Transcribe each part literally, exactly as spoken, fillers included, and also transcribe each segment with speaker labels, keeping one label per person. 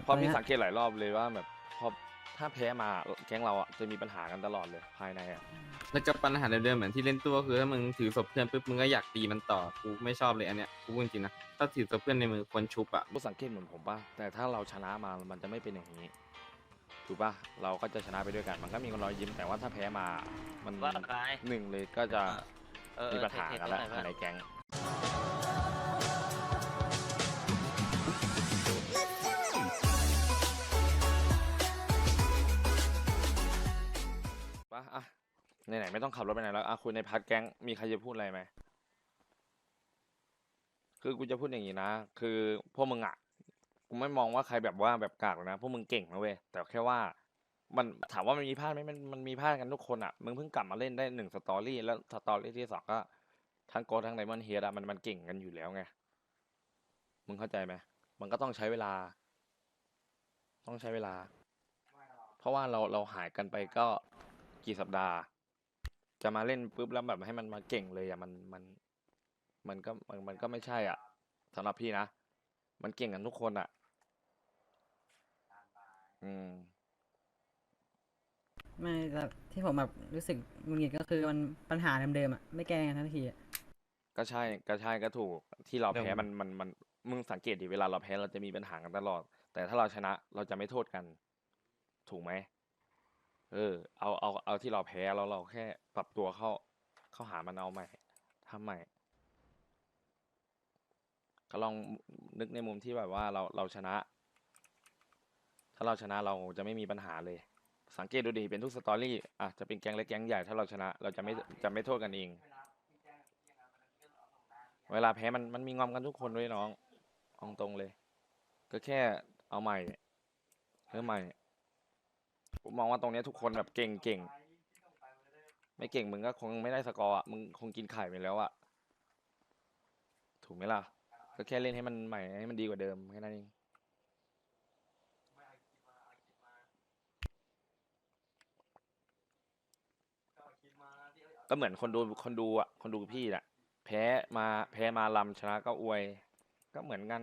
Speaker 1: เพราะพี่สังเกตหลายรอบเลยว่าแบบพอถ้าแพ้มาแก๊งเราอ่ะจะมีปัญหากันตลอดเลยภายในอ่ะ
Speaker 2: แล้วก็ปัญหาเดิมๆเหมือนที่เล่นตัวคือถ้ามึงถือศพเพื่อนปุ๊บมึงก็อยากตีมันต่อกูไม่ชอบเลยอันเนี้ยกูพูดจริงๆนะถ้าถือศพเพื่อนในมือควรชุบอ่ะ
Speaker 1: รู้สังเกตเหมือนผมป่ะแต่ถ้าเราชนะมามันจะไม่เป็นอย่างนี้ถูกป่ะเราก็จะชนะไปด้วยกัน มันก็มีรอยยิ้มแต่ว่าถ้าแพ้มามัน
Speaker 3: ว่าไป
Speaker 1: หนึ่งเลยก็จะ
Speaker 3: เออเอ
Speaker 1: มี
Speaker 3: อ
Speaker 1: ปัญหา
Speaker 3: เท
Speaker 1: กันแล้ว
Speaker 3: เทเท
Speaker 1: ภายในแก๊งป่ะอ่ะไหนๆไม่ต้องขับรถไปไหนแล้วอ่ะคุยในพาร์ทแก๊งมีใครจะพูดอะไรไหมคือกูจะพูดอย่างนี้นะคือพวกมึงอ่ะกูไม่มองว่าใครแบบว่าแบบกากหรอกนะพวกมึงเก่งนะเว้ยแต่แค่ว่ามันถามว่ามันมีพลาดไหมมันมันมีพลาดกันทุกคนอ่ะมึงเพิ่งกลับมาเล่นได้หนึ่งสตอรี่แล้วสตอรี่ที่สองก็ทั้งโกดทั้งไดมอนด์เฮดอะมันมันเก่งกันอยู่แล้วไงมึงเข้าใจไหมมันก็ต้องใช้เวลา ต้องใช้เวลา เพราะว่าเราเราหายกันไปก็กี่สัปดาห์ จะมาเล่นปุ๊บแล้วแบบให้มันมาเก่งเลยอ่ะมันมันมันก็มันมันก็ไม่ใช่อ่ะสำหรับพี่นะมันเก่งกันทุกคนอ่ะ อืม
Speaker 4: ไม่แต่ที่ผมแบบรู้สึกหงุดหงิดก็คือมันปัญหาเดิมๆอ่ะไม่แก้กันทันทีอะ
Speaker 1: ก็ใช่ก็ใช่ก็ถูกที่เรา
Speaker 2: เดี๋ยว
Speaker 1: แพ้มันมันมันมึงสังเกตดิเวลาเราแพ้เราจะมีปัญหากันตลอด แต่ถ้าเราชนะเราจะไม่โทษกัน ถูกไหมเออเอาเอาเอาที่เราแพ้แล้วเราแค่ปรับตัวเข้าเข้าหามันเอาใหม่ทำใหม่ ก็ลองนึกในมุมที่แบบว่าเราเราชนะ ถ้าเราชนะเราจะไม่มีปัญหาเลย สังเกตดูดิเป็นทุกสตอรี่อ่ะจะเป็นแก๊งเล็กแก๊งใหญ่ถ้าเราชนะ เราจะไม่จะไม่โทษกันเอง เวลาแพ้มันมันมีงอมกันทุกคนด้วยน้องเอาตรงเลย ก็แค่เอาใหม่เริ่มใหม่ผมมองว่าตรงเนี้ยทุกคนแบบเก่งเก่งไม่เก่งมึงก็คงไม่ได้สกอร์อ่ะมึงคงกินไข่ไปแล้วอ่ะถูกไหมล่ะก็แค่เล่นให้มันใหม่ให้มันดีกว่าเดิมแค่นั้นเองก็เหมือนคนดูคนดูอ่ะคนดูพี่แหละแพ้มาแพ้มาลำชนะก็อวย ก็เหมือนกัน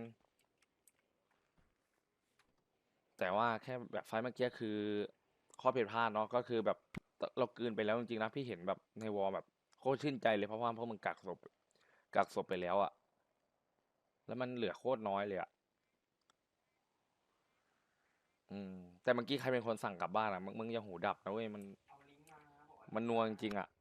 Speaker 1: แต่ว่าแค่แบบไฟล์เมื่อกี้คือข้อผิดพลาดเนาะก็คือแบบเรากลืนไปแล้วจริงๆนะพี่เห็นแบบในวอลแบบโคตรชื่นใจเลยเพราะว่าพวกมึงกักศพกักศพไปแล้วอะแล้วมันเหลือโคตรน้อยเลยอะอืมแต่เมื่อกี้ใครเป็นคนสั่งกลับบ้านอะมึงมึงอย่าหูดับนะเว้ยมันมันนัวจริงๆอะ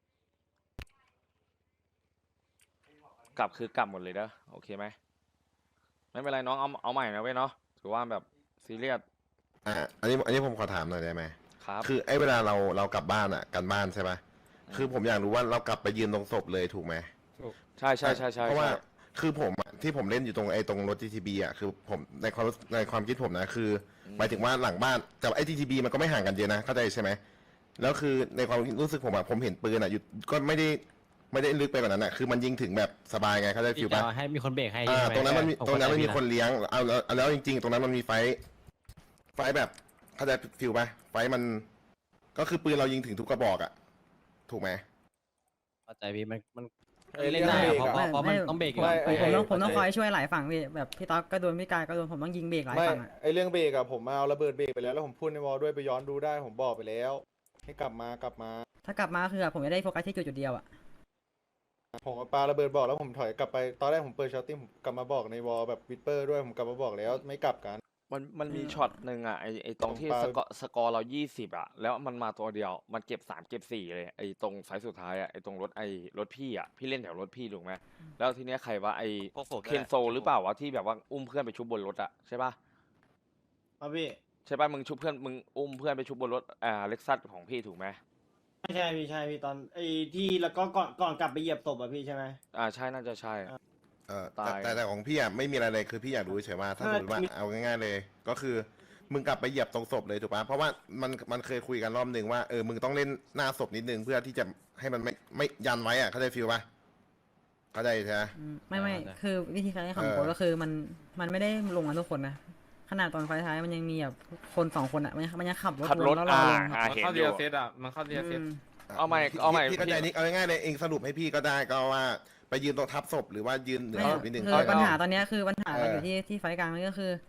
Speaker 1: กลับคือกลับหมดเลยเด้อโอเคไหมไม่เป็นไรน้องเอาเอาใหม่นะเว้ยเนาะถือว่าแบบซีเรียส
Speaker 5: อ่าอันนี้อันนี้ผมขอถามหน่อยได้ไหม
Speaker 1: ครับ
Speaker 5: คือไอ้เวลาเราเรากลับบ้านอ่ะกันบ้านใช่ปะ
Speaker 1: อืม
Speaker 5: คือผมอยากรู้ว่าเรากลับไปยืนตรงศพเลยถูกไหม
Speaker 1: ใช่ใช่ใช่ใช่
Speaker 5: เพราะว่า
Speaker 1: ใช่
Speaker 5: คือผมอะที่ผมเล่นอยู่ตรงไอ้ตรงรถ จี ที บี อ่ะคือผมในความรู้ในความคิดผมนะคืออหมายถึงว่าหลังบ้านแต่ไอ้ จี ที บี มันก็ไม่ห่างกันเยอะนะเข้าใจใช่ไหมแล้วคือในความรู้สึกผมอะผมเห็นปืนอ่ะอยู่ก็ไม่ได้ไม่ได้ลึกไปกว่านั้นอ่ะคือมันยิงถึงแบบสบายไงเข้าใจฟิลปะ
Speaker 6: ให้มีคนเบรกให้
Speaker 5: อ่า
Speaker 6: ใช่ไห
Speaker 5: ตรงนั้นมันมี
Speaker 6: ผ
Speaker 5: ตรงนั้นมันมี
Speaker 6: เข้าใจ
Speaker 5: คนเลี้ยงเอาแล้วเอาแล้วจริง ๆ ตรงนั้นมันมีไฟท์ไฟท์แบบเข้าใจฟิลปะไฟท์มัน ก็คือปืนเรายิงถึงทุกกระบอกอะถูกไหม
Speaker 6: เข้าใจพี่มันมัน
Speaker 7: ไอ้เรื่
Speaker 6: เล่
Speaker 7: อน ง
Speaker 6: ได้
Speaker 7: เบร
Speaker 6: อะ
Speaker 7: ก
Speaker 6: เพราะ
Speaker 7: อะ
Speaker 6: เพราะเพราะมันต้องเบรกอยู่
Speaker 7: ไม่
Speaker 6: อะ
Speaker 7: ไอ้
Speaker 4: ผมต้องผมต้องค
Speaker 6: เข้า
Speaker 4: อย
Speaker 6: ใจ
Speaker 4: ช่วยหลายฝั่งพี่แบบพี่ต๊อกก็โดนพี่กายก็โดนผมต้องยิงเบรกหลาย
Speaker 7: ไม่
Speaker 4: ฝั่งอ่ะ
Speaker 7: ไอเรื่องเบรกอะผมมาเอาระเบิดเบรกไปแล้วแล้วผมพูดในวอลด้วยไปย้อนดูได้ผมบอกไปแล้ว ให้กลับมากลับมา
Speaker 4: ถ้ากลับมาคือผมจะได้โฟกัสที่จุดจุดเดียวอ่ะ
Speaker 7: ผมเอาปาระเบิดบอกแล้วผมถอยกลับไปตอนแรกผมเปิดชาร์ติ้งผมกลับมาบอกในวอลแบบวิดเปอร์ด้วยผมกลับมาบอกแล้วไม่กลับกัน
Speaker 1: มันมันมีช็อตหนึ่งอ่ะไอไอตรงที่
Speaker 7: ผม
Speaker 1: ส
Speaker 7: ปา
Speaker 1: กอร์สกอร์เรายี่สิบอ่ะแล้วมันมาตัวเดียวมันเก็บสามเก็บสี่เลยไอตรงไฟล์สุดท้ายอ่ะไอตรงรถไอรถพี่อ่ะพี่เล่นแถวรถพี่ถูกไหมแล้วทีเนี้ยใครวะไอ
Speaker 3: พวกผม
Speaker 1: เคนโซหรือเปล่าวะที่แบบว่าอุ้มเพื่อนไปชุบบนรถอ่ะใช่ป่ะ
Speaker 8: ครับพี่
Speaker 1: ใช่ป่ะมึงชุบเพื่อนมึงอุ้มเพื่อนไปชุบบนรถอ่าเล็กซัสของพี่ถูกไหม
Speaker 8: ไม่ใช่พี่ใช่พี่ตอนไอ้ที่แล้วก็ก่อนก่อนกลับไปเหยียบศพอะพี่ใช่ไหม
Speaker 1: อ่าใช่น่าจะใช่
Speaker 5: เออ
Speaker 1: ตา
Speaker 5: แต่
Speaker 1: ย
Speaker 5: แต่แต่ของพี่อะไม่มีอะไรเลยคือพี่อยากรู้เฉยๆว่าถ้าสมมติว่าเอาง่ายๆเลย ก็คือมึงกลับไปเหยียบตรงศพเลยถูกปะเพราะว่ามันมันเคยคุยกันรอบหนึ่งว่าเออมึงต้องเล่นหน้าศพนิดนึงเพื่อที่จะให้มันไม่ไม่ยันไว้อะเข้าใจฟิลปะเข้าใจใช่ไหม
Speaker 4: อืมไม่ไม่
Speaker 6: อ่าได้
Speaker 4: คือวิธีการเล่นของ
Speaker 5: เออ
Speaker 4: โค้ชก็คือมันมันไม่ได้ลงกันทุกคนนะขนาดตอนไฟท้ายมันยังมีแบบคนสองคนอ่ะมันยังมันยังขับรถ
Speaker 1: ขับรถ
Speaker 4: วนแล้วเรา
Speaker 1: อ่า
Speaker 4: ลง
Speaker 1: อ่า
Speaker 4: อะ
Speaker 2: มัน
Speaker 1: เห็น
Speaker 2: เข้า
Speaker 1: อ
Speaker 2: เรีย
Speaker 1: ยู่
Speaker 2: เซตอ่ะมันเข้าเรียเซต
Speaker 4: อืม
Speaker 1: เอาใหม่
Speaker 5: พี่
Speaker 1: เอาใหม่
Speaker 5: พี่เข้าใจ
Speaker 1: พี่
Speaker 5: นิกเอาง่ายๆเลยเองสรุปให้พี่ก็ได้ก็ว่าไปยืนตรงทับศพหรือว่ายืนเหนือ
Speaker 4: ไม่
Speaker 5: ศพนิดนึง
Speaker 4: คือ
Speaker 1: เอา
Speaker 4: ปัญหา
Speaker 1: เอา
Speaker 4: ตอนเนี้ยคือปัญหามัน
Speaker 5: เออ
Speaker 4: อยู่ที่ที่ไฟกลางนี่ก็คือ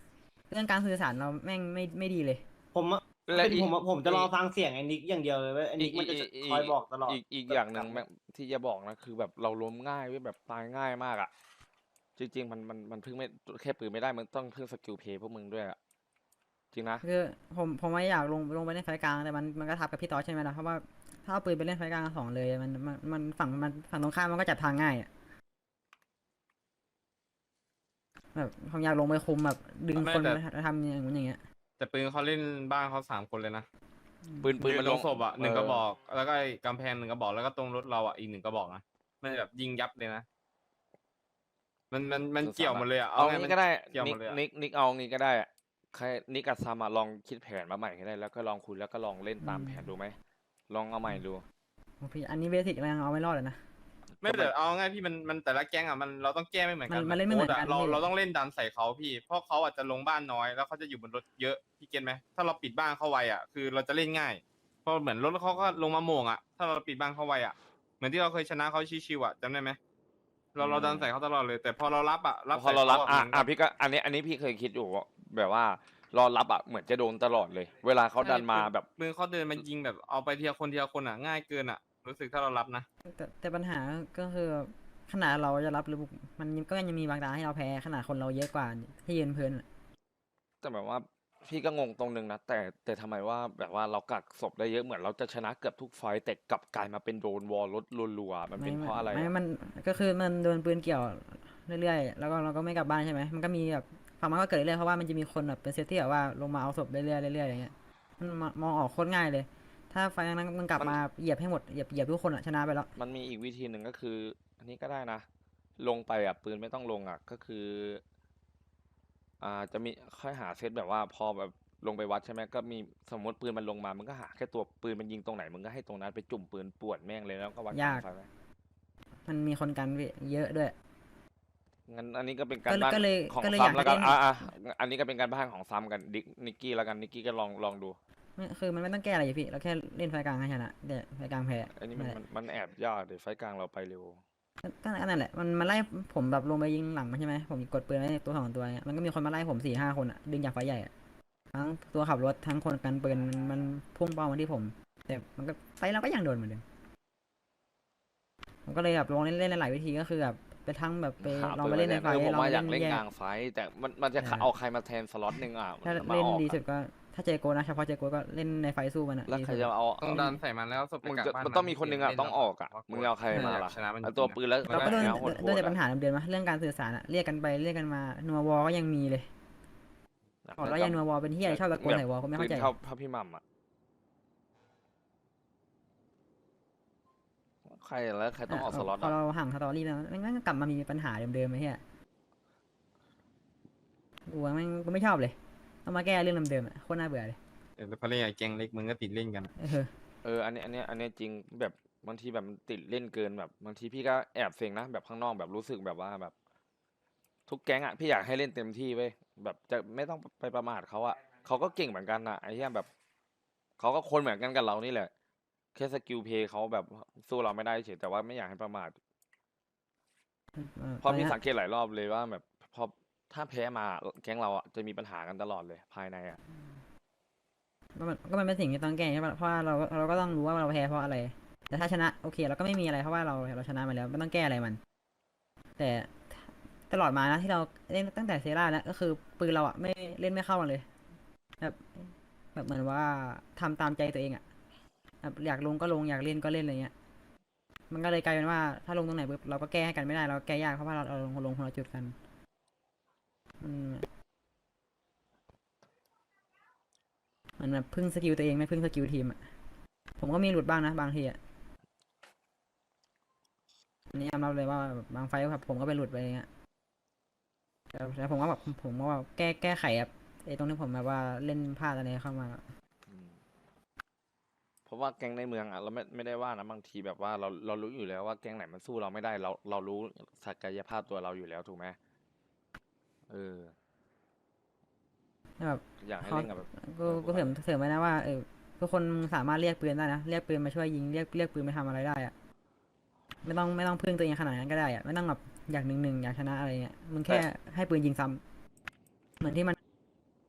Speaker 4: เรื่องการสื่อสารเราแม่งไม่ไม่ดีเลย
Speaker 8: ผมอะ
Speaker 1: และ
Speaker 8: เป็น
Speaker 1: อีก
Speaker 8: ผมอะผมจะรอ
Speaker 1: อีก
Speaker 8: ฟังเสียงไอ้นิกอย่างเดียวเลยเว้ยไอ้นิกมันจะคอยบอกตลอด
Speaker 1: อีกอีกอย่างหนึ่งแม่งที่จะบอกนะคือแบบเราล้มง่ายเว้ยแบบตายง่ายมากอ่ะ จริงๆมันมันมันพึ่งไม่แค่ปืนไม่ได้มันต้องพึ่งสกิลเพย์พวกมึงด้วยอ่ะจริงนะ
Speaker 4: คือผมผมไม่อยากลงลงไปเล่นไฟกลางแต่มันมันก็ทับกับพี่ต๊อดใช่ไหมล่ะเพราะว่าถ้าเอาปืนไปเล่นไฟกลางสองเลยมันมันมันฝั่งมันฝั่งตรงข้ามมันก็จับทางง่ายอะแบบผมอยากลงไปคุมแบบดึง
Speaker 2: ไม่
Speaker 4: คน
Speaker 2: แต่
Speaker 4: มาทำอย่างนู้นอย่างเงี้ย
Speaker 2: แต่ปืนเขาเล่นบ้านเขาสามคนเลยนะ
Speaker 1: ปืนปืน
Speaker 2: ยื
Speaker 1: มัน
Speaker 2: ต
Speaker 1: ล
Speaker 2: รง งศพอ่ะหนึ่ง
Speaker 1: เ
Speaker 2: กระบอก แล้วก็ไอ้กำแพงหนึ่งกระบอกแล้วก็ตรงรถเราอ่ะอีกหนึ่งกระบอกนะมันแบบยิงยับเลยนะมันมันมันเกี่ยวหมดเลยอ่ะ
Speaker 1: เอา
Speaker 2: ไง
Speaker 1: งี้
Speaker 2: มัน
Speaker 1: ก็ได้
Speaker 2: เกี่ยวห
Speaker 1: นิ
Speaker 2: ม
Speaker 1: ก
Speaker 2: ดเลยอะ
Speaker 1: นิกนิกเอางี้ก็ได้อะใครนิกกับซามอะลองคิดแผนมาใหม่ก็ได้แล้วก็ลองคุยแล้วก็ลองเล่นตามแผนดูไหมลองเอาใหม่ดู
Speaker 4: โอ้พี่อันนี้เบสิกเรายังเอาไม่รอดเลยนะ
Speaker 2: ไม่แต่เอาง่ายพี่มันมันแต่ละแก๊งอ่ะมันเราต้องแก้ไม่เหมือนกัน
Speaker 4: มันมันเล่นไม่เหมือนกัน
Speaker 2: โค้ดะเรา
Speaker 4: พี่
Speaker 2: เราต้องเล่นดันใส่เขาพี่เพราะเขาอาจจะลงบ้านน้อยแล้วเขาจะอยู่บนรถเยอะพี่เก็ตไหมถ้าเราปิดบ้านเขาไวอ่ะคือเราจะเล่นง่ายเพราะเหมือนรถเขาก็ลงมาโหม่งอ่ะถ้าเราปิดบ้านเขาไวอ่ะเหมือนที่เราเคยชนะเขาชิวๆอ่ะจำได้ไหมเราเราดันใส่เขาตลอดเลยแต่พอเรารับอ่ะรับ
Speaker 1: พอเรารับ
Speaker 2: ใส่ข
Speaker 1: อ่ะ
Speaker 2: มัน
Speaker 1: อ่ะพี่ก็อันนี้อันนี้พี่เคยคิดอยู่ว่าแบบว่ารอรับอ่ะเหมือนจะโดนตลอดเลย เวลาเขาดันมาแบบ
Speaker 2: ปืนเขาเดินมายิงแบบเอาไปทีละคนทีละคนอ่ะง่ายเกินอ่ะรู้สึกถ้าเรารับนะ
Speaker 4: แต่แต่ปัญหาก็คือขนาดเราจะรับหรือมันก็ยังมีบางตาให้เราแพ้ขนาดคนเราเยอะกว่าที่ยืนเพลินอะ
Speaker 1: แต่แบบว่าพี่ก็งงตรงนึงนะแต่แต่ทำไมว่าแบบว่าเรากักศพได้เยอะเหมือนเราจะชนะเกือบทุกไฟต์แต่กลับกลายมาเป็นโดนวอลลดรัวๆมันเป็นเพราะอะไร
Speaker 4: ไม่
Speaker 1: อะ
Speaker 4: มันก็คือมันโดนปืนเกี่ยวเรื่อยๆแล้วก็เราก็ไม่กลับบ้านใช่ไหมมันก็มีแบบฝั่งมันก็เกิดเรื่อยๆเพราะว่ามันจะมีคนแบบเป็นเซตที่แบบว่าลงมาเอาศพเรื่อยๆเรื่อยๆอย่างเงี้ยมันมองออกโคตรง่ายเลย ถ้าไฟล์นั้นมันกลับมาเหยียบให้หมดเหยียบเหยียบทุกคนอะชนะไปแล้ว
Speaker 1: มันมีอีกวิธีหนึ่งก็คือ อันนี้ก็ได้นะ ลงไปอ่ะปืนไม่ต้องลงอ่ะก็คือ อ่าจะมีค่อยหาเซตแบบว่าพอแบบลงไปวัดใช่ไหมก็มีสมมติปืนมันลงมามึงก็หาแค่ตัวปืนมันยิงตรงไหนมึงก็ให้ตรงนั้นไปจุ่มปืนป่วนแม่งเลยแล้วก็วัด
Speaker 4: ยาก
Speaker 1: ไฟไหม
Speaker 4: มันมีคนกันพี่เยอะด้วย
Speaker 1: งั้นอันนี้ก็เป็นการ
Speaker 4: ก็เลย
Speaker 1: บ้าน
Speaker 4: ก็เลย
Speaker 1: ของ
Speaker 4: ก็เลย
Speaker 1: ซั
Speaker 4: อยาม ก
Speaker 1: แล้วกัน
Speaker 4: ให้เล่น
Speaker 1: อ่าอ่าอันนี้ก็เป็นการบ้านของซัมกันดิกนิกกี้แล้วกันนิกกี้ก็ลองลองดู
Speaker 4: ไม่คือมันไม่ต้องแก้อะไรอยู่พี่เราแค่เล่นไฟล์กลางให้ชนะแต่ไฟล์กลางแพ้
Speaker 1: อันนี้มัน
Speaker 4: นั่นแหละ
Speaker 1: มันมันแอบยากเดี๋ยวไฟต์กลางเราไปเร็ว
Speaker 4: ก็ก็นั่นแหละมันมันไล่ผมแบบลงไปยิงหลังมันใช่ไหมผมกดปืนไว้ตัวสองตัวเนี่ยมันก็มีคนมาไล่ผมสี่ห้าคนอะดึงจากไฟใหญ่อะทั้งตัวขับรถทั้งคนกันปืนมันมันพุ่งเป้ามาที่ผม แต่มันก็ไฟเราก็ยังโดนเหมือนเดิมผมก็เลยแบบลองเล่นเล่นหลายวิธีก็คือแบบไปทั้งแบบไป
Speaker 1: หา
Speaker 4: ลอง
Speaker 1: ปื
Speaker 4: ไป
Speaker 1: น
Speaker 4: เล่นใน
Speaker 1: ไว้
Speaker 4: ไฟ
Speaker 1: เออผม
Speaker 4: ลอง
Speaker 1: ว่า
Speaker 4: ไป
Speaker 1: อยากเล่
Speaker 4: เล่
Speaker 1: น
Speaker 4: นแย
Speaker 1: ก
Speaker 4: ก
Speaker 1: ลางไฟต์แต่มันมันจะ
Speaker 4: เออ
Speaker 1: เอาใครมาแทนสล็อตหนึ่งอ่ะ
Speaker 4: ถ้า
Speaker 1: มา
Speaker 4: เล่น
Speaker 1: ออก
Speaker 4: ดี
Speaker 1: อะ
Speaker 4: สุดก็ถ้าเจโกนะเฉพาะเจโกก็เล่นในไฟสู้มันอะ
Speaker 1: แล้ว
Speaker 4: ดี
Speaker 1: ใคร
Speaker 4: สุด
Speaker 1: จะเอา
Speaker 2: ต้องดันใส่มันแล้วศพไป
Speaker 1: มึง
Speaker 2: กลับ
Speaker 1: จะ
Speaker 2: บ้าน
Speaker 1: มันต้องมีคนหนึงอ่ะ
Speaker 2: เล่
Speaker 1: ต้องออกอ่ะ
Speaker 2: เล่น
Speaker 1: มึงเอาใครมาล่ะ
Speaker 2: ชนะมัน
Speaker 1: เอาตัว
Speaker 2: จริงๆ
Speaker 1: ปืนแล้ว
Speaker 4: เราก็โดน
Speaker 1: แล้วโหด
Speaker 4: โดนแต่
Speaker 1: ๆ
Speaker 4: ปัญหาเดิมๆมาเรื่องการสื่อสารอะเรียกกันไปเรียกกันมานัววอก็ยังมีเลย
Speaker 1: อะ
Speaker 4: บอกแล้วยังนัววอเป็นที่อะไรชอบตะโกนใส่วอก็ไม่เข้าใจ
Speaker 1: ปืนเท่าเท่าพี่หมัมอ่ะใครแล้วใครต้องออกสล็อต
Speaker 4: พอ
Speaker 1: อ่ะ
Speaker 4: เราห่างสตอรี่แล้วมันก็กลับมามีปัญหาเดิมๆไอ้เหี้ยกูว่าแม่งกูไม่ชอบเลยต้องมาแก้เรื่องเดิมๆอะโคตรน่าเบื่อเลย
Speaker 2: เออแต่พอเล่นกับแก๊งเล็กมึงก็ติดเล่นกัน
Speaker 4: เออ
Speaker 1: เอออันนี้อันนี้อันนี้จริงแบบบางทีแบบมันติดเล่นเกินแบบบางทีพี่ก็แอบเซ็งนะแบบข้างนอกแบบรู้สึกแบบว่าแบบ ทุกแก๊งอ่ะพี่อยากให้เล่นเต็มที่เว้ยแบบจะไม่ต้องไปประมาทเขาอ่ะเขาก็เก่งเหมือนกันนะไอ้เหี้ยแบบเขาก็คนเหมือนกันกับเรานี่แหละแค่สกิลเพย์เขาแบบสู้เราไม่ได้เฉยแต่ว่าไม่อยากให้ประมาท เพราะพี่สังเกตหลายรอบเลยว่าแบบพอถ้าแพ้มาแก๊งเราอ่ะจะมีปัญหากันตลอดเลยภายในอ่ะ
Speaker 4: ก็มันก็มันเป็นสิ่งที่ต้องแก้ใช่ปะเพราะว่าเราก็เราก็ต้องรู้ว่าเราแพ้เพราะอะไร แต่ถ้าชนะโอเคเราก็ไม่มีอะไรเพราะว่าเราเราชนะมาแล้วไม่ต้องแก้อะไรมัน แต่ตลอดมานะที่เราเล่นตั้งแต่เซราแล้วก็คือปืนเราอ่ะไม่เล่นไม่เข้ากันเลยแบบแบบเหมือนว่าทำตามใจตัวเองอ่ะแบบอยากลงก็ลงอยากเล่นก็เล่นอะไรเงี้ย มันก็เลยกลายเป็นว่าถ้าลงตรงไหนปุ๊บเราก็แก้ให้กันไม่ได้เราแก้ยากเพราะว่าเราเราลงลงคนละจุดกันมันมันแบบพึ่งสกิลตัวเองไม่พึ่งสกิลทีมอ่ะผมก็มีหลุดบ้างนะบางทีอ่ะอันนี้ยอมรับเลยว่าบางไฟล์แบบผมก็ไปหลุดไปอย่างเงี้ยแต่แต่ผมก็แบบผมก็ว่าแก้แก้ไขครับไอ้ตรงที่ผมแบบว่าเล่นพลาดอะไรเข้ามา
Speaker 1: อืมเพราะว่าแก๊งในเมืองอ่ะเราไม่ไม่ได้ว่านะบางทีแบบว่าเราเรารู้อยู่แล้วว่าแก๊งไหนมันสู้เราไม่ได้ เราเรารู้ศักยภาพตัวเราอยู่แล้วถูกไหมเออ
Speaker 4: แบบ
Speaker 1: อยากให้
Speaker 4: เขา
Speaker 1: เล่นกับแบบ
Speaker 4: ก็ก็เสริมเสริมไว้นะว่าเออทุกคนสามารถเรียกปืนได้นะเรียกปืนมาช่วยยิงเรียกเรียกปืนมาทำอะไรได้อะไม่ต้องไม่ต้องพึ่งตัวเองขนาดนั้นก็ได้อะไม่ต้องแบบอยากหนึ่งหนึ่งอยากชนะอะไรเงี้ยมึงแค่ให้ปืนยิงซ้ำเหมือนที่มัน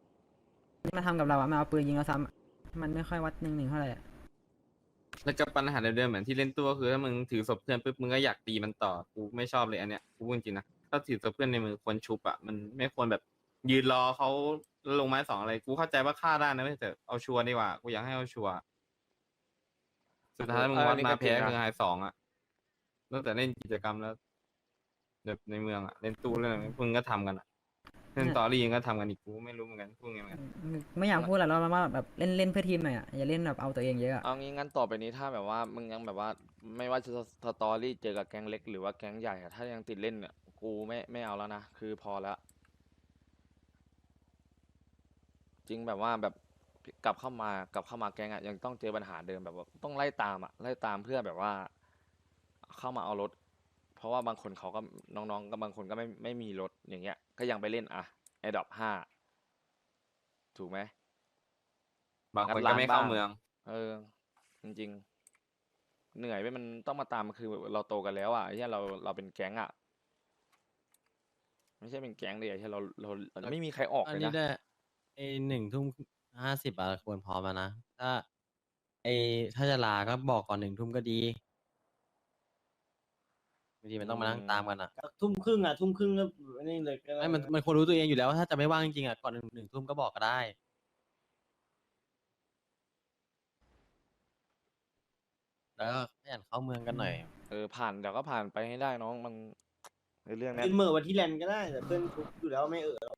Speaker 4: ทำกับเราอะมันเอาปืนยิงเราซ้ำอะมันไม่ค่อยวัดหนึ่งหนึ่งเท่าไหร่อะ
Speaker 2: แล้วก็ปัญหาเดิมๆเหมือนที่เล่นตัวคือถ้ามึงถือศพเพื่อนปุ๊บมึงก็อยากตีมันต่อกูไม่ชอบเลยอันเนี้ยกูพูดจริงๆนะถ้าถือศพเพื่อนในมือควรชุบอะมันไม่ควรแบบยืนรอเขาลงไม้สองอะไรกูเข้าใจว่าฆ่าได้นะไม่แต่เอาชัวร์ดีกว่ากูอยากให้เอาชัวร์สุดท้ายมึง
Speaker 1: เออ
Speaker 2: วั
Speaker 1: อั
Speaker 2: ด
Speaker 1: นนี้
Speaker 2: มา
Speaker 1: ก็จริ
Speaker 2: แพ้
Speaker 1: งนะ
Speaker 2: คือไฮสองอะตั้งแต่เล่นกิจกรรมแล้วแบบในเมืองอะเล่นตู้เล่นอะไรมึงก็ทำกันอะเล่น
Speaker 4: เนี่ย
Speaker 2: ตอรี่ยังก็ทำกันอีกกูไม่รู้เหมือนกันพูดไงเหมือนกัน
Speaker 4: ไม่อยากพูดแหละเราว่าแบบเล่นเล่นเพื่อทีมหน่อยอ่ะอย่าเล่นแบบเอาตัวเองเยอะอะ
Speaker 1: เอางี้งั้นต่อไปนี้ถ้าแบบว่ามึงยังแบบว่า ไม่ว่าจะสตอรี่เจอกับแก๊งเล็กหรือว่าแก๊งใหญ่อะถ้ายังติดเล่นเนี่ยกูไม่ไม่เอาแล้วนะคือพอแล้ว จริงแบบว่าแบบกลับเข้ามากลับเข้ามาแก๊งอะยังต้องเจอปัญหาเดิมแบบว่าต้องไล่ตามอะไล่ตามเพื่อแบบว่า เข้ามาเอารถ เพราะว่าบางคนเขาก็น้องๆก็บางคนก็ไม่ไม่มีรถอย่างเงี้ย ก็ยังไปเล่นอะไอดอปห้าถูกไหม
Speaker 2: บางคน
Speaker 1: งัด
Speaker 2: ก็
Speaker 1: ร้าน
Speaker 2: ไม่เข้า
Speaker 1: บ้าง
Speaker 2: เมือง
Speaker 1: เออ จริงๆ เหนื่อยไปมันต้องมาตามคือเราโตกันแล้วอ่ะไอ้เหี้ยเราเราเป็นแก๊งอ่ะ ไม่ใช่เป็นแก๊งเลยไอ้เหี้ยเราเราเราไม่มีใครออก
Speaker 6: อัน
Speaker 1: เลย
Speaker 6: นี้
Speaker 1: นะ
Speaker 6: ได้ไอหนึ่งทุ่มห้าสิบอะควรพร้อมแล้วนะ ถ้าไอถ้าจะลาก็บอกก่อนหนึ่งทุ่มก็ดีบางทีมันต้องมานั่งตามกันอะ
Speaker 8: ทุ่มครึ่งอ่ะทุ่มครึ่งก็นี่เลยก็ด้
Speaker 6: ไม่มันมันควรรู้ตัวเองอยู่แล้วว่าถ้าจะไม่ว่างจริงๆอะก่อนหนึ่งหนึ่งทุ่มก็บอกก็ได้ แล้วก็ขยันเข้าเมืองกันหน่อย
Speaker 1: เออผ่านเดี๋ยวก็ผ่านไปให้ได้น้องมันในเรื่องเนี้ย
Speaker 8: เป็นเหมื่อวันที่แลนด์ก็ได้แต่เพื่อนทุกอยู่แล้วไม่เออ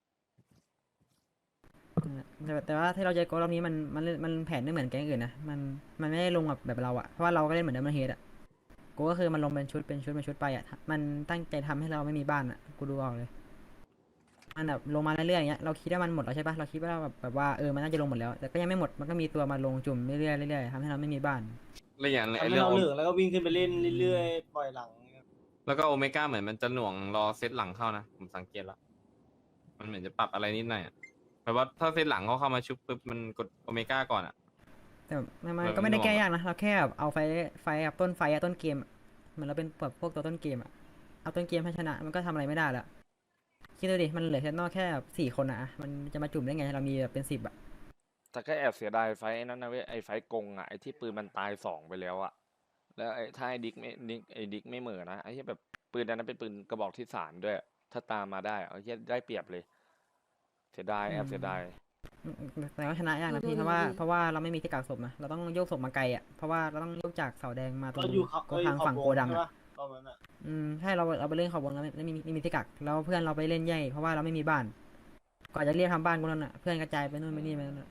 Speaker 4: แต่แต่ว่าที่เราเจอโกรอบนี้มันมันมันแผนไม่เหมือนแก๊งอื่นนะมันมันไม่ได้ลงแบบแบบเราอะเพราะว่าเราก็เล่นเหมือนเดิมเฮดอะกูก็คือมันลงเป็นชุดเป็นชุดเป็นชุดไปอะมันตั้งใจทำให้เราไม่มีบ้านอะกูดูออกเลยมันแบบลงมาเรื่อยๆอย่างเงี้ยเราคิดว่ามันหมดแล้วใช่ปะเราคิดว่าแบบแบบว่าเออมันน่าจะลงหมดแล้วแต่ก็ยังไม่หมดมันก็มีตัวมาลงจุ่มเรื่อยๆเรื่อยๆทำให้เราไม่มีบ้าน
Speaker 2: แล้วอย่าง
Speaker 8: ทำ
Speaker 2: ไอ้
Speaker 8: ให้
Speaker 2: เรื่อง
Speaker 8: เรา
Speaker 2: โอ
Speaker 8: เหลืองแล้วก็วิ่งขึ้นไปเล่นเรื่อยๆปล่อยหลัง
Speaker 2: แล้วก็โอเมก้าเหมือนมันจะหน่วงรอเซตหลังเข้านะผมสังเกตแล้ว มันเหมือนจะปรับอะไรนิดหน่อยอะแปลว่าถ้าเซตหลังเขาเข้ามาชุบปุ๊บมันกดโอเมก้าก่อนอะ
Speaker 4: แต่มันมัน
Speaker 2: แบบ
Speaker 4: ก็ไม่ได้
Speaker 2: หน่วง
Speaker 4: แก้
Speaker 2: อะ
Speaker 4: ยากนะเราแค่แบบเอาไฟไฟแบบต้นไฟอะต้นเกมอะเหมือนเราเป็นแบบพวกตัวต้นเกมอะเอาต้นเกมให้ชนะมันก็ทำอะไรไม่ได้แล้วคิดดูดิมันเหลือแค่นอกแค่แบบสี่คนอะอะมันจะมาจุ่มได้ไงเรามีแบบเป็นสิบอะ
Speaker 1: แต่ก็แอบเสียดายไฟท์ไอ้นั้นนะเว้ยไอ้ไฟท์กงอ่ะไอ้ที่ปืนมันตายสองไปแล้วอ่ะแล้วไอ้ถ้าไอ้ดิกไม่ดิกไอ้ดิกไม่เหม่อนะไอ้ที่แบบปืนนั้นเป็นปืนกระบอกที่สามด้วย ถ้าตามมาได้เอาที่ได้เปรียบเลย เสียดายแอบเสียดาย
Speaker 4: อืมแต่ก็ชนะยากนะพี่เพราะว่าเพราะว่าเราไม่มีที่กักศพนะเราต้องโยกศพมาไกลอ่ะเพราะว่าเราต้องโยกจากเสาแดงมาตรง
Speaker 8: ก็อยู่เขา
Speaker 4: ก็ทางฝั่งโกดัง
Speaker 8: ใช่
Speaker 4: อ่ะ
Speaker 8: ปะตอนนั้นอ่ะ
Speaker 4: อืมใช่เราเราไปเล่นเขาวงแล้วไม่ไม่มีไม่มีที่กักแล้วเพื่อนเราไปเล่นใหญ่เพราะว่าเราไม่มีบ้านก่อนจะเรียกทำบ้านกูนั่นอ่ะเพื่อนกระจายไปนู่นไปนี่ไปนั่นอะ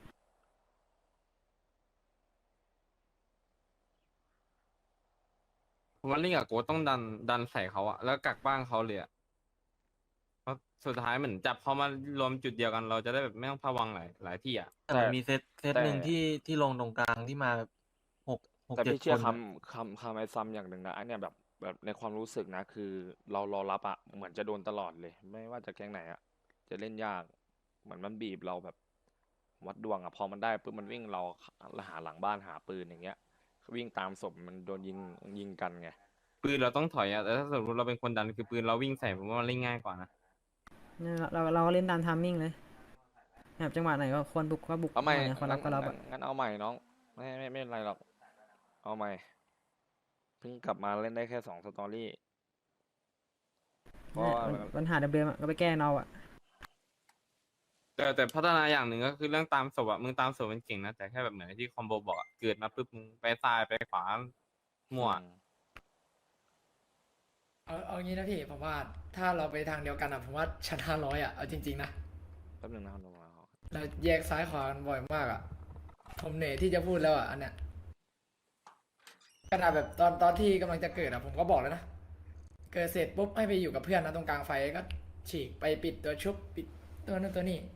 Speaker 2: ผมว่าลิงกับโกต้องดันดันใส่เขาอะแล้วกักบ้างเขาเลยอะเพราะสุดท้ายเหมือนจับเขามารวมจุดเดียวกัน เราจะได้แบบไม่ต้องพะวังหลายหลายที่อะ
Speaker 3: แต่มันมีเซตเซต
Speaker 1: แต่
Speaker 3: หนึ่งที่ที่ลงตรงกลางที่มาแบบหกหก
Speaker 1: แต่
Speaker 3: เจ็ด
Speaker 1: พี่
Speaker 3: ค
Speaker 1: เชื่อน
Speaker 3: อะ
Speaker 1: คำคำคำไอ้ซัมอย่างหนึ่งนะไอ้เนี่ยแบบแบบในความรู้สึกนะ คือเรารอรับอะเหมือนจะโดนตลอดเลย ไม่ว่าจะแก๊งไหนอะจะเล่นยาก เหมือนมันบีบเราแบบ วัดดวงอะพอมันได้ปุ๊บมันวิ่งเราหาหลังบ้านหาปืนอย่างเงี้ย วิ่งตามศพมันโดนยิงยิงกันไง
Speaker 2: ปืนเราต้องถอยอะแต่ถ้าสมมติเราเป็นคนดันคือปืนเราวิ่งใส่ผมว่ามันเล่นง่ายกว่านะ
Speaker 4: เนี่ยเราเราเราเล่นตามทามมิ่งเลยแบบจังหวะไหนก็ควรบุกก็บุก
Speaker 1: เอาใหม่
Speaker 4: จังวะไหนควรรับก็รับ
Speaker 1: งั้
Speaker 4: อะ
Speaker 1: นงั้นเอาใหม่น้อง ไม่ไม่ไม่เป็นไรหรอก เอาใหม่ เพิ่งกลับมาเล่นได้แค่สองสตอรี่เพราะ
Speaker 4: เนี่ย
Speaker 1: ว่า
Speaker 4: ปัญปัญหาเดิมๆอะก็ไปแก้เอาอะ
Speaker 2: แต่แต่พัฒนาอย่างหนึ่งก็คือเรื่องตามศพอะมึงตามศพมันเก่งนะแต่แค่แบบเหมือนที่คอมโบบอกอะเกิดมาปุ๊บมึงไปซ้ายไปขวามั่ว
Speaker 9: เอาเอางี้นะพี่ผมว่าถ้าเราไปทางเดียวกันอ่ะผมว่าชนะร้อยอ่ะเอาจริงๆนะ
Speaker 1: แป๊บนึงนะครับลงมา
Speaker 9: เราแยกซ้ายขวากันบ่อยมากอ่ะผมเหนื่อยที่จะพูดแล้วอ่ะอันเนี้ยขนาดแบบตอนตอนที่กำลังจะเกิดอ่ะผมก็บอกแล้วนะเกิดเสร็จปุ๊บให้ไปอยู่กับเพื่อนนะตรงกลางไฟก็ฉีกไปปิดตัวชุบปิดตัวนั้นตัวนี้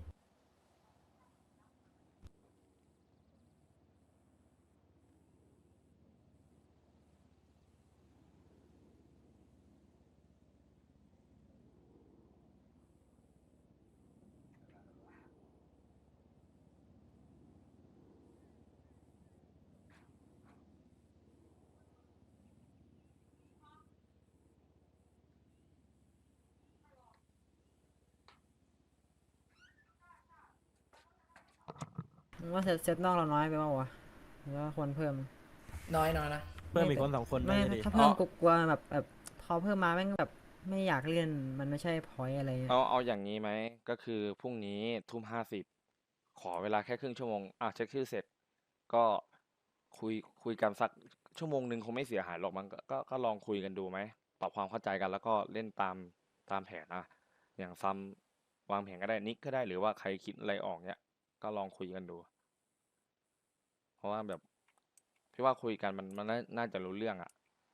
Speaker 4: มึงว่าเซตเซตนอกเราน้อยไปเปล่าวะหรือว่าควรเพิ่ม
Speaker 9: น้อยน้อยนะ
Speaker 3: เพิ่มอีกคนสองคน
Speaker 4: ไม่
Speaker 3: น่าจะดี
Speaker 4: ถ้าเพิ่มกูกลัวแบบแบบพอเพิ่มมาแม่งแบบไม่อยากเล่นมันไม่ใช่พอยอะไรเงี้ย
Speaker 1: เอาเอาอย่างนี้ไหมก็คือพรุ่งนี้ทุ่มห้าสิบขอเวลาแค่ครึ่งชั่วโมงอ่ะเช็คชื่อเสร็จ ก็คุยคุยกันสักชั่วโมงหนึ่งคงไม่เสียหายหรอกมันก็ก็ก็ลองคุยกันดูไหมปรับความเข้าใจกันแล้วก็เล่นตามตามแผนอ่ะอย่างซัมวางแผนก็ได้นิกก็ได้หรือว่าใครคิดอะไรออกเนี้ยก็ลองคุยกันดู เพราะว่าแบบพี่ว่าคุยกันมันมันน่าน่าจะรู้เรื่องอ่ะ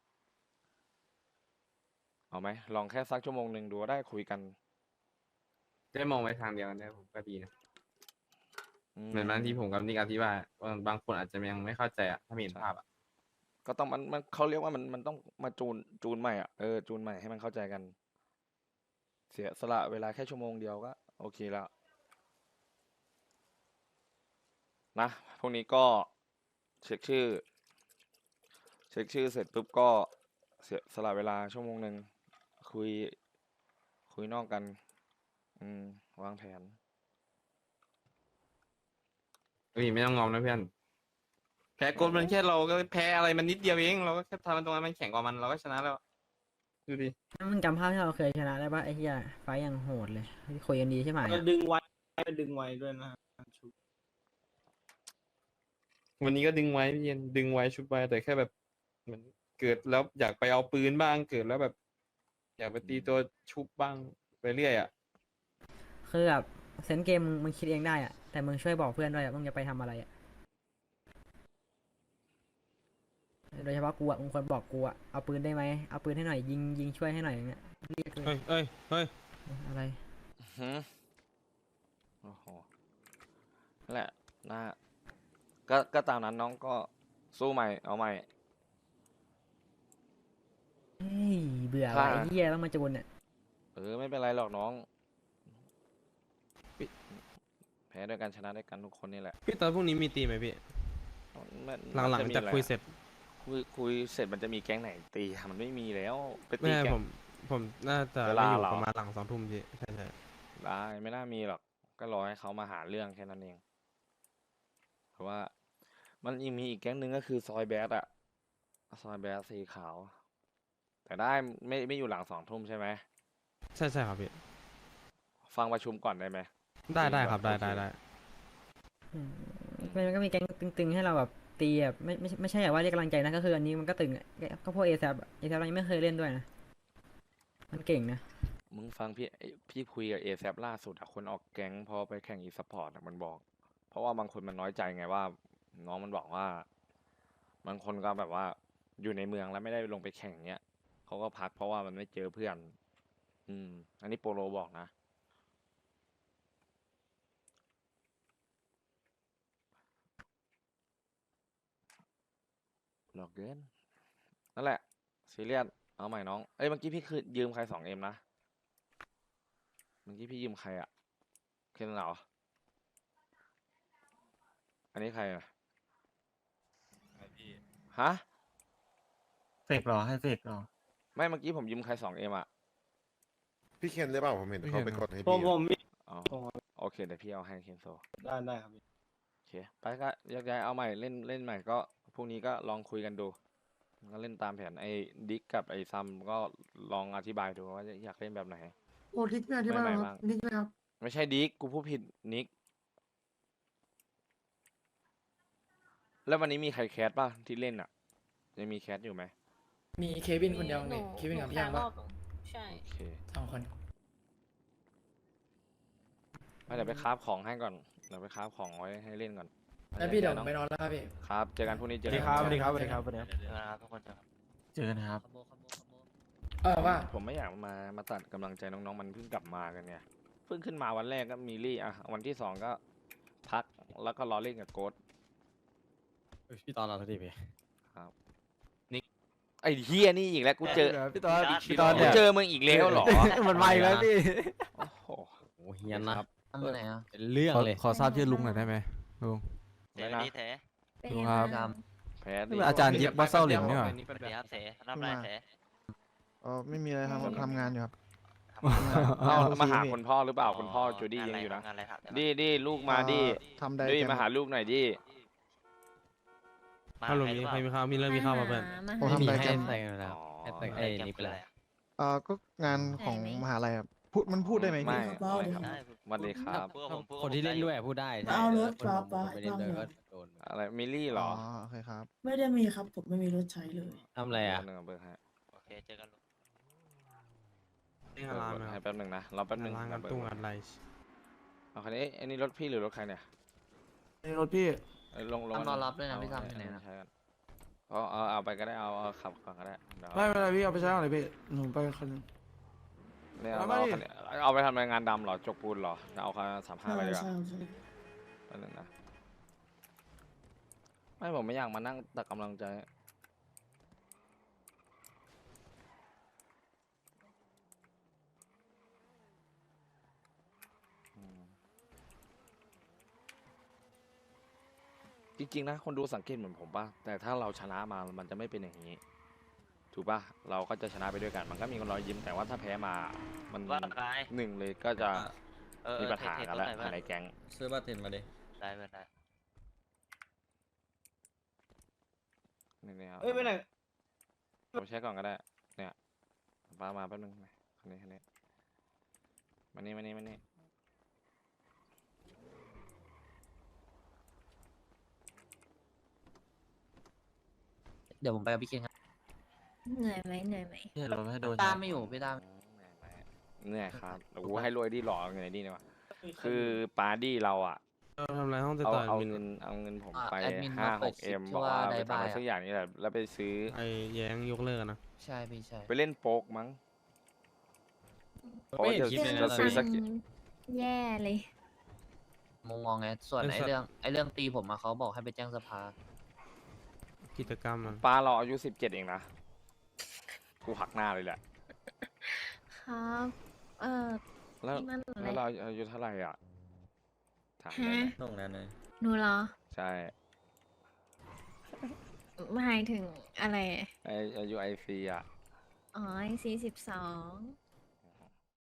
Speaker 1: เอาไหมลองแค่สักชั่วโมงหนึ่งดูก็ได้คุยกัน
Speaker 2: ได้มองไปทางเดียวกันได้ผมก็ดีนะ
Speaker 1: อื
Speaker 2: เหมือนบางทีผมกับนิกอธิบายว่าบางคนอาจจะยังไม่เข้าใจอ่ะถ้าไม่เห็นภาพอ่ะ
Speaker 1: ก็ต้องมันมันเขาเรียกว่ามันมันต้องมาจูนจูนใหม่อ่ะเออจูนใหม่ให้มันเข้าใจกัน เสียสละเวลาแค่ชั่วโมงเดียวก็โอเคแล้วนะพวกนี้ก็เช็คชื่อ เช็คชื่อเสร็จปุ๊บก็เสียสละเวลาชั่วโมงหนึ่งคุย คุยนอกกัน อืมวางแผน
Speaker 2: เฮ้ยไม่ต้องงอมนะเพื่อนแพ้กดมันแค่เราก็แพ้อะไรมันนิดเดียวเองเราก็แค่ทำมันตรงนั้นมันแข็งกว่ามันเราก็ชนะแล้วดูดิ
Speaker 4: มึงจำภาพที่เราเคยชนะได้ปะไอ้เหี้ยไฟต์อย่างโหดเลยคุยกันดีใช่ไหม
Speaker 8: ก็ดึงไว้ดึงไว้ด้วยนะ
Speaker 2: วันนี้ก็ดึงไว้พี่เย็นดึงไว้ชุบไว้แต่แค่แบบเหมือนเกิดแล้วอยากไปเอาปืนบ้างเกิดแล้วแบบ อยากไปตีตัวชุบบ้างไปเรื่อยอ่ะ
Speaker 4: คือแบบเซนส์เกมมึงมึงคิดเองได้อะแต่มึงช่วยบอกเพื่อนด้วยอะมึงจะไปทำอะไรอะโดยเฉพาะกูอะมึงควรบอกกูอะเอาปืนได้ไหมเอาปืนให้หน่อยยิงยิงช่วยให้หน่อยอย่างเงี้ยเรียกเลย
Speaker 3: เฮ้ยเฮ้ยเฮ้ย
Speaker 4: อะไร
Speaker 1: หืมโอ้โหนั่นแหละนะก็ก็ตามนั้นน้องก็สู้ใหม่เอาใหม่
Speaker 4: เฮ้ยเบื่อ
Speaker 1: ถ้า
Speaker 4: ว่ะไอ้เหี้ยต้องมาจูนเนี่ย
Speaker 1: เออไม่เป็นไรหรอกน้อง แพ้ด้วยกันชนะด้วยกันทุกคนนี่แหละ
Speaker 3: พี่ตอนพรุ่งนี้มีตีไหมพี่
Speaker 1: มัน
Speaker 3: หลัง
Speaker 1: มันจะมี
Speaker 3: ๆจาก
Speaker 1: อะไร
Speaker 3: คุย
Speaker 1: อะ
Speaker 3: เสร็จ
Speaker 1: คุยคุยเสร็จมันจะมีแก๊งไหนตีอะมันไม่มีแล้วไปตี
Speaker 3: ไม่
Speaker 1: แก๊
Speaker 3: ผ
Speaker 1: ง
Speaker 3: มผมน่าจะ
Speaker 1: เว
Speaker 3: ไม่
Speaker 1: ลา
Speaker 3: อยู่
Speaker 1: เหรอ
Speaker 3: ประมาณหลังสองทุ่มพี่ใช่ใช่
Speaker 1: ได้ไม่น่ามีหรอก ก็รอให้เขามาหาเรื่องแค่นั้นเอง เพราะว่า มันยังมีอีกแก๊งหนึ่งก็คือซอยแบดอะซอยแบดสีขาว แต่ได้ไม่ไม่อยู่หลังสองทุ่มใช่ไหม
Speaker 3: ใช่ใช่ครับพี่
Speaker 1: ฟังประชุมก่อนได้ไหม
Speaker 3: ได้ได้
Speaker 1: ตีก่อน
Speaker 3: ครับได้
Speaker 1: โอเค
Speaker 3: ได้ได้
Speaker 4: อืมมันก็มีแก๊งตึงๆให้เราแบบตีแบบไม่ไม่ไม่ใช่แบบว่าเรียกกำลังใจนะก็คืออันนี้มันก็ตึงอะก็พวกเอแซเอแซเรายังไม่เคยเล่นด้วยนะมันเก่งนะ
Speaker 1: มึงฟังพี่ไอ้พี่คุยกับเอแซล่าสุดอะคนออกแก๊งพอไปแข่งอีสปอร์ตมันบอก เพราะว่าบางคนมันน้อยใจไงว่า น้องมันบอกว่า บางคนก็แบบว่าอยู่ในเมืองแล้วไม่ได้ลงไปแข่งเนี้ยเขาก็พักเพราะว่ามันไม่เจอเพื่อน อืม อันนี้โปโลบอกนะ หลอกเกินนั่นแหละซีเรียสเอาใหม่น้อง เอ้ยเมื่อกี้พี่คือยืมใครสองเอ็มนะ เมื่อกี้พี่ยืมใครอะเคนเหรอ อันนี้ใครอะฮะ
Speaker 3: เสกหรอให้เสกหรอ
Speaker 1: ไม่เมื่อกี้ผมยืมใครสองเอ็มอะ
Speaker 5: พี่เคนหรือเปล่าผมเห็น
Speaker 3: พี่
Speaker 5: เขา
Speaker 3: เคน
Speaker 5: ไป
Speaker 3: ครับ
Speaker 5: กดให้
Speaker 8: ผม
Speaker 5: พี่
Speaker 8: ผ
Speaker 5: อะ
Speaker 8: มมี
Speaker 1: อ๋อโอเคเดี๋ยวพี่เอาให้เคนโซ
Speaker 8: ได้ได้ครับพี่
Speaker 1: โอเค ไปก็แยกย้ายเอาใหม่เล่นเล่นใหม่ก็พรุ่งนี้ก็ลองคุยกันดู ก็เล่นตามแผนไอ้ดิกกับไอ้ซัมก็ลองอธิบายดูว่าอยากเล่นแบบไหน
Speaker 10: โอ้ทิกไม่อธิบาย
Speaker 1: ไม่
Speaker 10: ค
Speaker 1: ไม่
Speaker 10: รับ
Speaker 1: บ้าง
Speaker 10: นิกเลยครับ
Speaker 1: ไม่ใช่ดิกกูพูดผิดนิก แล้ววันนี้มีใครแคสป่ะที่เล่นอ่ะ ยังมีแคสอยู่ไหม
Speaker 9: มีเควินคนเดียวนี่เควินกับพี่ยังปะ
Speaker 11: ใช่
Speaker 1: โอเค
Speaker 9: สองคน
Speaker 1: ไม่เดี๋ยวไปคราฟของให้ก่อน เดี๋ยวไปคราฟของไว้ให้เล่นก่อน
Speaker 9: แล้วพี่เดี๋ยวผม
Speaker 1: น้อง
Speaker 9: ไปนอนแล้วครับพี่
Speaker 1: ครับ เจอกันพรุ่งนี้เจอ
Speaker 9: สวัสดี
Speaker 1: กัน
Speaker 9: ครับ
Speaker 3: สวัสดีครับสวัสดีครับสวัสดีครับ
Speaker 6: ทุกคนครับ
Speaker 3: เจอกันครับ
Speaker 9: เออว่า
Speaker 1: ผมไม่อยากมา มาตัดกำลังใจน้องๆ มันเพิ่งกลับมากันไงเพิ่งขึ้นมาวันแรกก็มีลี่อ่ะ วันที่สองก็พัก แล้วก็รอเล่นกับโกด
Speaker 6: พี่ตอนเราสักทีพี่
Speaker 1: ไอ้เฮียนี่อีกแล้ว กูเจอ
Speaker 3: พี่ตอน
Speaker 11: พี่
Speaker 3: พี่
Speaker 11: ต
Speaker 3: ต
Speaker 11: อ
Speaker 3: อน
Speaker 11: น
Speaker 1: กู
Speaker 3: เนี่ย
Speaker 1: เจอมึงอีกแล้วเหรอ
Speaker 3: มันมาอีกแล้วพี่
Speaker 1: โอ้โห
Speaker 6: โอ้เฮียนนะ
Speaker 3: อันไหนอ่ะ
Speaker 6: เป็นเรื่องเลย
Speaker 3: ขอทราบชื่อลุงหน่อยได้ไหมลุง
Speaker 1: ไม่นะ
Speaker 3: ลุงครับ
Speaker 1: แพ้ดิ
Speaker 3: นี่มันอาจารย์ยิบวัดเส้าหลินนี่หว่า
Speaker 11: สวัสดีครับเสทำอะไรเส
Speaker 10: อ๋อไม่มีอะไรครับผมทำงานอยู่ครับ
Speaker 11: ค
Speaker 10: ครับ
Speaker 1: เอามาหาคุณพ่อหรือเปล่าคุณพ่อจูดี้ยังอยู่นะ
Speaker 10: งานอะไรครับ
Speaker 1: ดีดีลูกมาดี
Speaker 7: ทำได้
Speaker 1: ดีมาหาลูกหน่อยดี
Speaker 10: มา
Speaker 6: ฮัลโหล
Speaker 10: ใครห
Speaker 6: มี
Speaker 10: รือเป
Speaker 6: ใคร
Speaker 10: ล่า
Speaker 6: มีข้าวมีเรื่องมีข้าวมาเพื่อน
Speaker 7: ผม
Speaker 6: ไม่
Speaker 7: ทำ
Speaker 6: มี
Speaker 7: ได้
Speaker 6: ให้
Speaker 7: แค่
Speaker 6: ใส่กันแล้ว
Speaker 1: อ๋อ
Speaker 6: ให้ใส่ไอ้นี่ไปแล้ว
Speaker 7: เอ่อก็งานของมหาลัยครับพูดมันพูดได้ไหม
Speaker 1: ไม่
Speaker 7: พี่
Speaker 1: อะไรครับ
Speaker 10: ได้
Speaker 1: สวัสดีครับ
Speaker 10: พวกผมพวกผม
Speaker 6: คนที่เล่นด้วยอะพูดได้ใช่
Speaker 11: เอารถ
Speaker 6: แต่คน
Speaker 11: ป๊าป๊า
Speaker 6: ไม่เล่นด้วยก็โดน
Speaker 1: อะไรมิลลี่เหรอ
Speaker 7: โอเคครับ
Speaker 11: ไม่ได้มีครับ ผมไม่มีรถใช้เลย
Speaker 6: ทำอะไรอ่ะ
Speaker 1: แป๊บนึงเบอร์ให้
Speaker 10: โอเคเจอกันลูก
Speaker 6: นี่ร้าน
Speaker 1: เบอร์
Speaker 6: ค
Speaker 1: ให้
Speaker 6: รับ
Speaker 1: แป๊บนึงนะรอแป๊บนึง
Speaker 6: ร้าน
Speaker 1: นะ
Speaker 6: กัน
Speaker 1: เบอร์
Speaker 6: ตุ้ง
Speaker 1: เบอ
Speaker 6: อะ
Speaker 1: ร์
Speaker 6: ไร
Speaker 1: เอาคันนี้อันนี้รถพี่หรือรถใครเนี่ย
Speaker 7: นี่รถพี่
Speaker 1: เอ้ยลงลง
Speaker 3: ทำรอรับด้วยนะ
Speaker 1: เอา
Speaker 3: พี่ซ้ำ
Speaker 1: ให้
Speaker 3: ที่ไหนนะ
Speaker 1: ใช้กันเอาเอาเอาไปก็ได้เอาเอาขับก่อนก็ได้เดี๋ยว
Speaker 7: ไม่เป็นไรพี่เอาไปใช้อะไรพี่หนูไปคันนึง
Speaker 1: เนี่ยเอา
Speaker 7: เอา
Speaker 1: เอา
Speaker 7: มาดิ
Speaker 1: คันนี้เอาไปทำงานดำเหรอจกปูนเหรอเอาคันสามห้า
Speaker 11: ใช่
Speaker 1: ไปดีกว่า
Speaker 11: ใช่ใช่
Speaker 1: แป๊บนึงนะไม่ผมไม่อยากมานั่งตักกำลังใจอืมจริงๆนะคนดูสังเกตเหมือนผมป่ะแต่ถ้าเราชนะมามันจะไม่เป็นอย่างนี้ ถูกป่ะเราก็จะชนะไปด้วยกัน มันก็มีคนรอยยิ้มแต่ว่าถ้าแพ้มา มัน
Speaker 10: ว่าใคร
Speaker 1: หนึ่งเลยก็จะ
Speaker 10: เออ
Speaker 1: มีปัญหา
Speaker 10: เท
Speaker 1: กัน
Speaker 10: ๆ
Speaker 1: แล้ว
Speaker 10: รถหน่อย
Speaker 1: ภายในแก๊ง
Speaker 3: ซื้อบัตรเห็นมาดิ
Speaker 10: ได้เพื่อนได้
Speaker 1: นี่เนี่ย
Speaker 8: เอ้ยไปไหน
Speaker 1: ผมใช้ก่อนก็ได้ เนี่ยป้ามาแป๊บนึงมาคันนี้คันนี้มานี่มานี่มานี่
Speaker 3: เดี๋ยวผมไปกับพี่เคนครับ
Speaker 11: เหนื่อยไหมเหนื่อยไหม
Speaker 3: พี่รถให้โดนตามไม่อยู่พี่ตาม
Speaker 1: เนี่ยครับโอ้โหให้รวยดีหล่อเงินไอ้ดีเนี่ยวะคือปาร์ดี้เราอ่ะ
Speaker 6: เออทำอะไรห้องติด
Speaker 1: เอา
Speaker 6: ต่อ
Speaker 1: เอา
Speaker 6: มิน
Speaker 1: เงินเอาเงินผม
Speaker 3: อ่า
Speaker 1: ไป
Speaker 3: แอดมิน
Speaker 1: ห้า
Speaker 3: มา
Speaker 1: ห
Speaker 3: เปิด
Speaker 1: ก
Speaker 3: คลิ
Speaker 1: เอ็
Speaker 3: ป
Speaker 1: ม
Speaker 3: ที่
Speaker 1: บอก
Speaker 3: ว่า
Speaker 1: ว่า
Speaker 3: ได
Speaker 1: ไปทำ
Speaker 3: บา
Speaker 1: อะไร
Speaker 3: ย
Speaker 1: สักอย่างนี่แหละแล้วไปซื้อ
Speaker 6: ไอ้แย้งยกเลิกอะนะ
Speaker 3: ใช่พี่ใช่
Speaker 1: ไปเล่นโป๊กมั้ง
Speaker 6: ไม่เห็น
Speaker 1: จะ
Speaker 6: คลิปเลยนะ
Speaker 1: จะซื้อสัก
Speaker 11: แย่เลย
Speaker 3: มองมองไงส่วน
Speaker 6: เป็น
Speaker 3: ไอ้
Speaker 6: สัตว์
Speaker 3: เรื่องไอ้เรื่องตีผมอะเขาบอกให้ไปแจ้งสภา
Speaker 6: กิจกรรมมัน
Speaker 1: ป้าเราอายุสิบเจ็ดเองนะ กูหักหน้าเลยแหละ
Speaker 11: ครับ เออ
Speaker 1: แล้ว
Speaker 11: นี่มันอะไร
Speaker 1: แล้วเราอายุเท่าไหร่อ่ะถามได้ไหม
Speaker 3: ตรงนั้นเลย
Speaker 11: หนูเหรอ
Speaker 1: ใช่
Speaker 11: หมายถึงอะไร
Speaker 1: ไออายุไอซีอ่ะ
Speaker 11: อ๋อสี่สิบสอง